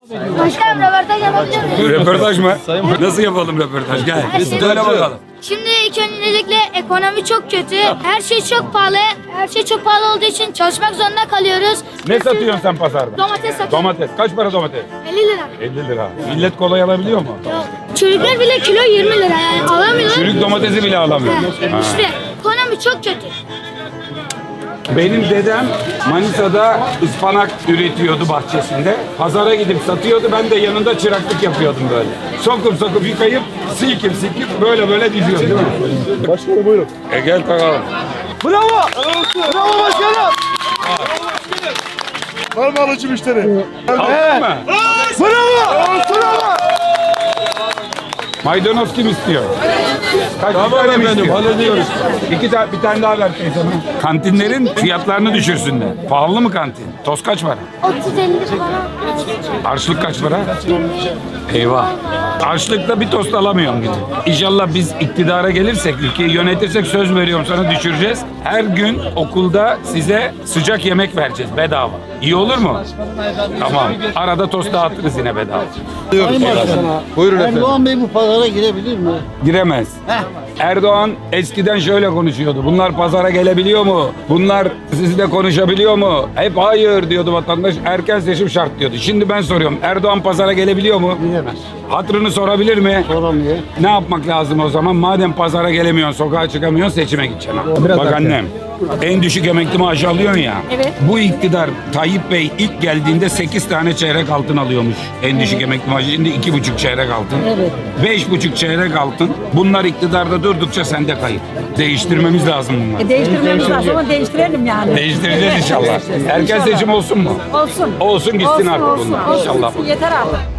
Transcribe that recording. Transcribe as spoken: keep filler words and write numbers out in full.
Başkanım röportaj yapabilir miyim? Röportaj mı? Nasıl yapalım röportaj? Gel. Söyle bakalım. Şimdi ilk öncelikle ekonomi çok kötü. Her şey çok pahalı. Her şey çok pahalı olduğu için çalışmak zorunda kalıyoruz. Ne satıyorsun sen pazarda? Domates satıyorum. Domates. Kaç para domates? elli lira. elli lira. Millet kolay alabiliyor mu? Yok. Çürükler bile kilo yirmi lira yani alamıyorlar. Çürük domatesi bile alamıyor. He, Ha. İşte ekonomi çok kötü. Benim dedem Manisa'da ıspanak üretiyordu bahçesinde. Pazara gidip satıyordu. Ben de yanında çıraklık yapıyordum böyle. Sokup sokup yıkayıp silkip silkip böyle böyle diziyorum değil mi? Başkanım buyurun. E gel takalım. Bravo! Bravo başkanım! Var mı alıcı müşteri? Aldın mı? Bravo! Bravo! Maydanoz kim istiyor? Kaç Tamam tane mi efendim, istiyor? hallediyoruz. İki tane, bir tane daha ver teyzeme. Kantinlerin fiyatlarını düşürsünler. Pahalı mı kantin? Toz kaç para? otuz elli falan. Harçlık kaç para? Eyvah. Harçlıkla bir tost alamıyorum gidip. İnşallah biz iktidara gelirsek, ülkeyi yönetirsek söz veriyorum sana düşüreceğiz. Her gün okulda size sıcak yemek vereceğiz bedava. İyi olur mu? Tamam. Arada tost dağıtırız yine bedava. Sayın Başkan'a, Buyurun efendim. Erdoğan Bey bu pazara girebilir mi? Giremez. Erdoğan eskiden şöyle konuşuyordu. Bunlar pazara gelebiliyor mu? Bunlar sizle konuşabiliyor mu? Hep hayır diyordu vatandaş. Erken seçim şart diyordu. Şimdi ben soruyorum. Erdoğan pazara gelebiliyor mu? Giremez. Hatırını sorabilir mi? Soramıyor. Ne yapmak lazım o zaman? Madem pazara gelemiyorsun, sokağa çıkamıyorsun, seçime gideceksin. Bak annem, en düşük emekli maaşı alıyorsun ya. Evet. Bu iktidar Tayyip Bey ilk geldiğinde sekiz tane çeyrek altın alıyormuş. En düşük emekli maaşı şimdi iki buçuk çeyrek altın. Evet. Beş buçuk çeyrek altın. Bunlar iktidarda durdukça sende kayıp. Değiştirmemiz lazım bunları. E, değiştirmemiz lazım ama değiştirelim yani. Değiştireceğiz inşallah. Erken seçim olsun mu? Olsun. Olsun gitsin Olsun, artık olsun, bunlar. olsun. İnşallah. Yeter artık.